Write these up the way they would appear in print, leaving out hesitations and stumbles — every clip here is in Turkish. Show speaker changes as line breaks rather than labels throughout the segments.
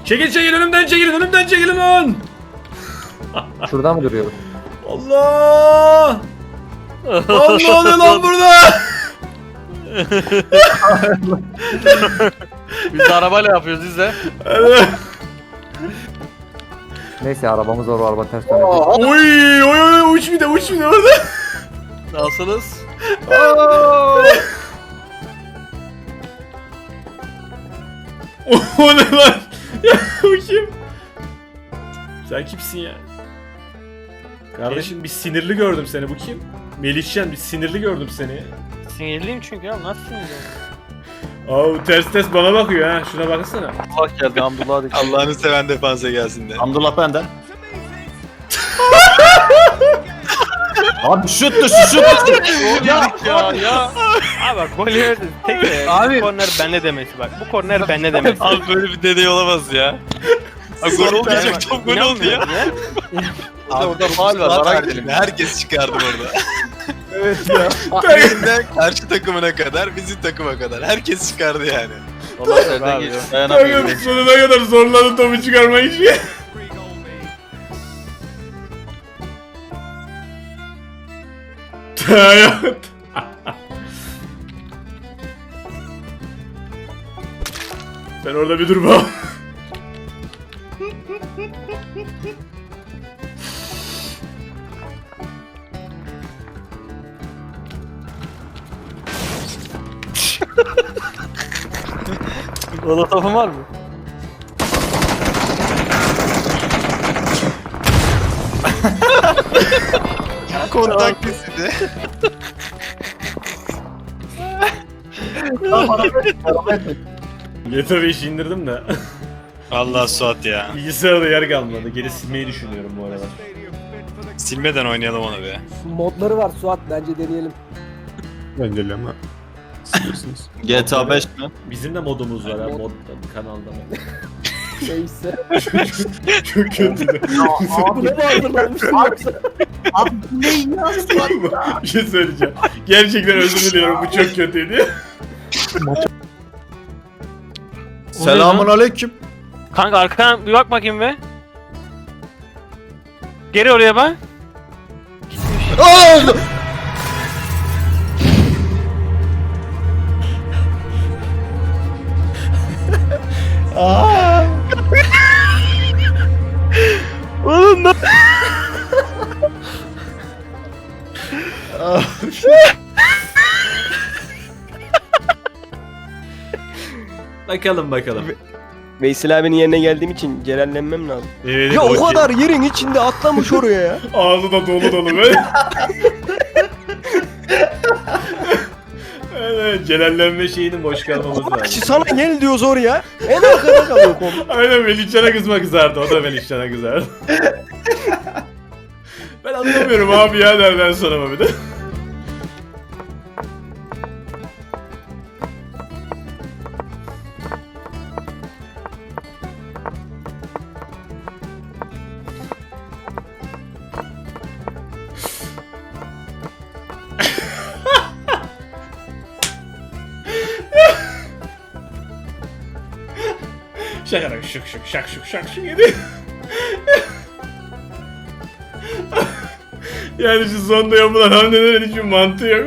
Çekil önümden çekilin lan.
Şurada mı duruyorum?
Allah! Lan ne oluyor lan burada?
Biz de arabayla yapıyoruz biz de.
Neyse arabamız var, o araba ters dönecek.
Oy uç bir de orada.
Nasılsınız?
O ne lan? Ya bu kim? Sen kimsin ya? Kardeşim bir sinirli gördüm seni, bu kim? Melihcan, bir sinirli gördüm seni.
Sinirliyim çünkü ya, nasıl sinirliyim?
Aa ters bana bakıyor ha, şuna baksana.
Allah geldi, Hamdullah dedik.
Allah'ını seven defansa gelsin de.
Hamdullah benden.
Abi şut dışı.
Ya. Abi bak gol yemedi. Tek de. Abi. Korner bende demesi bak. Bu korner bende demesi.
Abi böyle bir dedey olamaz ya. Abi gol olmayacak, top gol oldu ya. Abi
orada faul var, bara gidelim.
Herkes çıkardı orada.
Evet ya.
Birinden karşı takımına kadar, bizim takıma kadar. Herkes çıkardı yani.
Vallahi nereden geçti?
Takım
Dayanamıyorum.
sonuna kadar zorladı topu çıkarmak için. Hayat. Sen orada bir dur bak.
Oda topun var mı?
Kontak kesildi.
Yeter işi indirdim de.
Allah Suat ya.
Bilgisayarda yer kalmadı. Geri silmeyi düşünüyorum bu aralar.
Silmeden oynayalım onu be.
Modları var Suat, bence deneyelim.
Bence ama siliyorsunuz.
GTA 5 mi?
Bizim de modumuz var ha, mod kanalda mı?
Neyse.
Çok kötü.
Bu ne hazırlanmış?
Abi ne ya Suat?
Bir şey söyleyeceğim. Gerçekten özür diliyorum, bu çok kötüydü.
Selamun aleyküm.
Kanka arkana bir bak bakayım be. Geri oraya bak. Oğlum ne?
Bakalım.
Veysel abinin yerine geldiğim için celallenmem lazım.
Evet,
Ya o kadar yerin içinde atlamış oraya ya.
ağzı da dolu böyle. Evet, celallenme şeyinin boş kalmaması lazım.
Sana gel diyoruz oraya. En arkada kalıyor konu.
Aynen, Melihcan'a kızardı. O da Melihcan'a kızardı. Ben anlamıyorum abi ya, nereden sonra mı bir de. Şakarak şak yedi. Yani şu sonda yapılan hamlelerin hiçbir mantığı yok.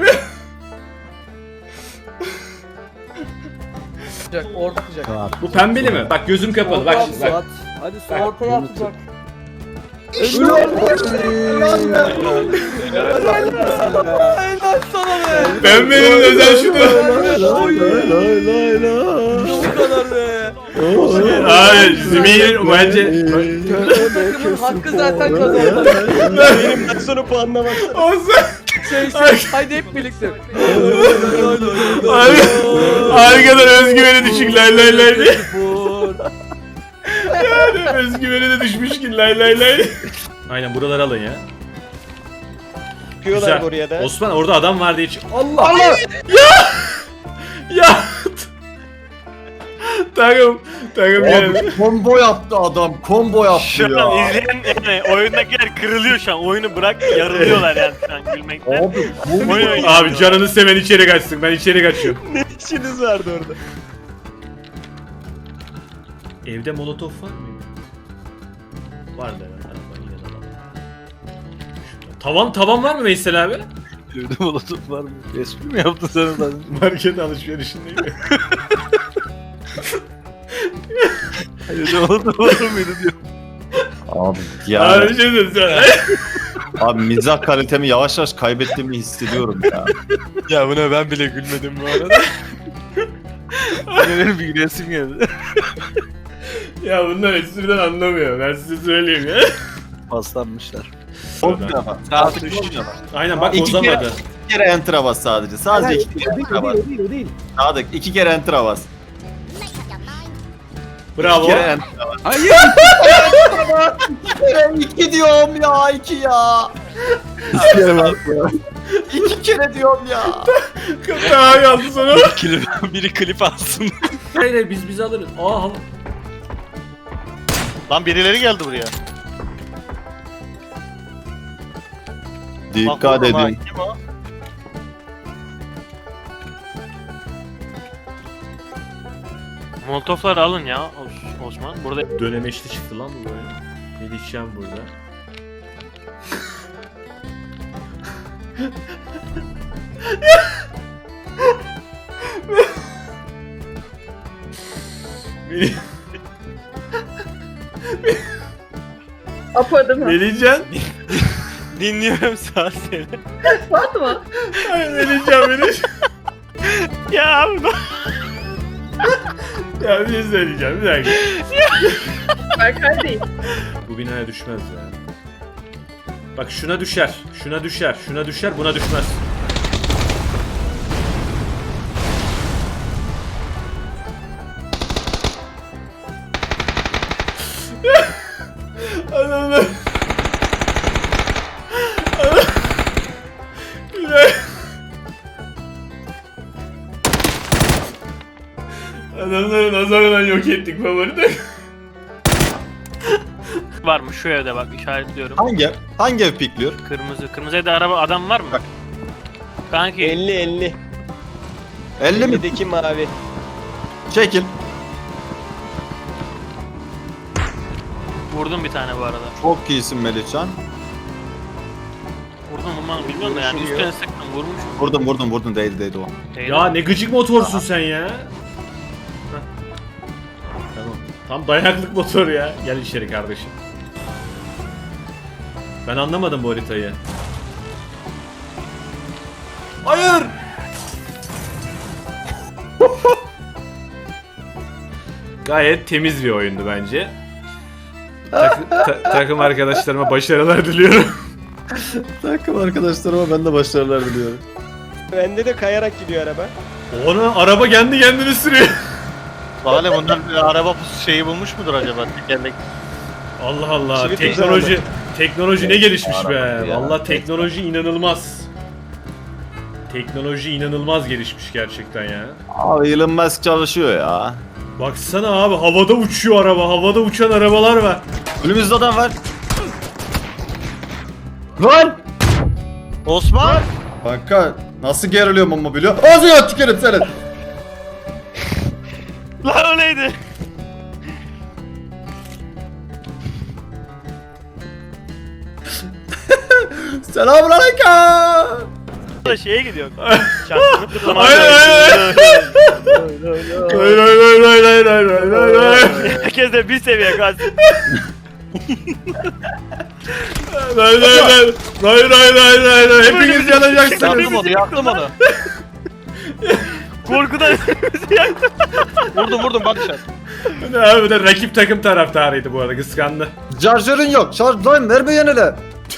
Orta atacak.
Bu pembeli mi? Bak gözüm kapalı. Bak şimdi bak.
Suat. Hadi Suat. Ortaya atacak.
Pembenin özel şutu.
Bu kadar be.
Hayır, Zümeyir bence...
Takımın hakkı zaten kazandı. Benim maç sonu puanına baksana.
Olsun.
Haydi hep birlikte.
Arkadan özgüveni düşük lay diye. Yani özgüveni de düşmüş ki lay. Aynen, buraları alın ya.
Çıkıyorlar buraya da.
Osman orada adam var diye
Allah!
Ya! Takım yani.
Abi combo yaptı adam, combo yaptı
Şu an
ya.
izleyen yani oyundakiler kırılıyor şu an. Oyunu bırak yarılıyorlar yani şu an gülmekten.
Abi combo
Oyun oynuyor.
Abi canını seven içeri kaçsın. Ben içeri kaçıyorum.
Ne işiniz vardı orada?
Evde molotof var mıydı? Var da evet. Arabayı yine de alalım. Tavan var mı Veysel abi?
Evde molotof var mı? Espri mi yaptın sen oradan?
Market alışverişindeyim.
Evde molotof var mıydı diyor.
Abi
Abi
ya.
bir şey söyleyeyim.
Abi mizah kalitemi yavaş yavaş kaybettiğimi hissediyorum ya.
Ya buna ben bile gülmedim bu arada. Benim bir gülesim geldi.
Ya bunlar espriden anlamıyor. Ben size söyleyeyim ya.
Paslanmışlar.
Olmuyor bak. Artık olmuyor bak.
Aynen bak
İki
bozamadı.
İki kere enter'a bas sadece. Sadece iki kere enter'a bas.
değil.
Sadık 2 kere enter'a bas.
Bravo.
2 kere enter'a bas.
Hayır.
2 diyorum ya 2 ya. 2 kere diyorum ya.
Daha yazdı sonra.
Biri klip alsın.
Hayır biz alırız. Aa hava.
Lan birileri geldi buraya.
Dikkat edin.
Kim o?
Molotofları alın ya Osman. Burada
Dönemeçli çıktı lan bu böyle. Melihcan burada. Melih-
Apo değil mi?
Melihcan.
dinliyorum sağ seni.
Fatma.
Ay Melihcan.
Ya abi
Ya bir şey söyleyeceğim bir dakika.
Berkay değil.
Bu binaya düşmez ya. Bak şuna düşer, şuna düşer, şuna düşer, buna düşmez. Adamlar. Adamları nazarından yok ettik favoride.
varmış şu evde bak işaretliyorum.
Hangi ev pikliyor?
Kırmızı. Kırmızı evde araba adam var mı?
Bak.
Kanki
50.
50 mi?
50'deki mavi.
Çekil.
vurdum bir tane bu arada.
Çok iyisin Melihcan.
Vurdum vurmanı bilmiyorum da yani
Vuruşum
üstüne
yok.
sıktım vurmuş.
Vurdum değdi o.
Ya ne gıcık motorsun sen ya. Heh. Tamam. Tam dayaklık motor ya. Gel içeri kardeşim. Ben anlamadım bu haritayı. Hayır! Gayet temiz bir oyundu bence. Takım arkadaşlarıma başarılar diliyorum.
Takım arkadaşlarıma ben de başarılar diliyorum.
Bende de kayarak gidiyor araba.
Ona araba kendi kendini sürüyor.
Valla bunlar bir araba şeyi bulmuş mudur acaba? Tekerlek.
Allah Allah.
Çivit
Teknoloji ne gelişmiş be.
Araba ya.
Vallahi teknoloji inanılmaz. Teknoloji inanılmaz gelişmiş gerçekten ya.
Abi Elon Musk çalışıyor ya.
Baksana abi havada uçuyor araba. Havada uçan arabalar var.
Önümüzde adam var. Lan!
Osman!
Kanka nasıl geriliyorum ama biliyor. Ağzına tükerim seni.
Lan o neydi?
Selamünaleyküm.
Da şeye gidiyor. Çarpını kırlamaya
Hayır.
Herkes de bir seviye gaz.
Hepiniz yanacaksınız.
Yaktım onu.
Korkudan bizi yaktı.
Vurdum bak sen.
Abi de rakip takım taraftarıydı bu arada kıskandı.
Şarjörün yok. Şarj lan verme yenile.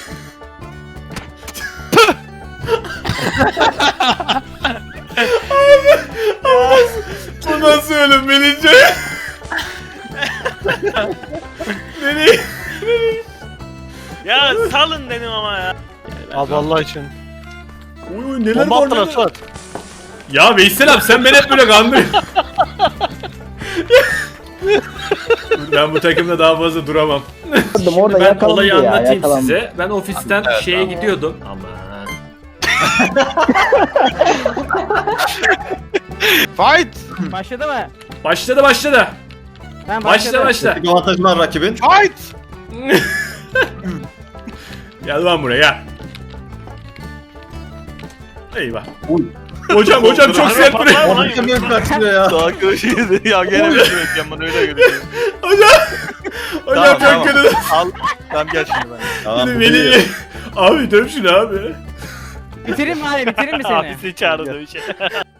Bu nasıl ölüm Melihcan? Beni...
Ya salın dedim ama ya.
Abi Allah için.
Uy neler
Bomba
var
attılar
neler.
Suat.
Ya Veysel abi sen beni hep böyle kandırıyorsun. Ben bu takımda daha fazla duramam.
Orada
Ben
yakalandı
olayı
ya,
anlatayım
yakalandı.
size. Ben ofisten şeye gidiyordum. Aman.
Fight!
Başladı mı?
Başladı.
Ben
Başla başla.
Bir avantajı var rakibin.
Fight!
Gel lan buraya gel. Eyvah.
Uy.
Hocam çok sert vuruyor.
Abi niye kaçıyor ya?
Daha karışıydı ya gene bir şey bekleyeceğim bana öyle görünüyor.
Hocam çok kötü.
Al. Tamam gel şimdi ben.
Tamam, bu
Beni
iyi.
abi döv şunu abi.
Bitireyim mi abi? Bitireyim mi seni?
Abisi çağırdı bir şey.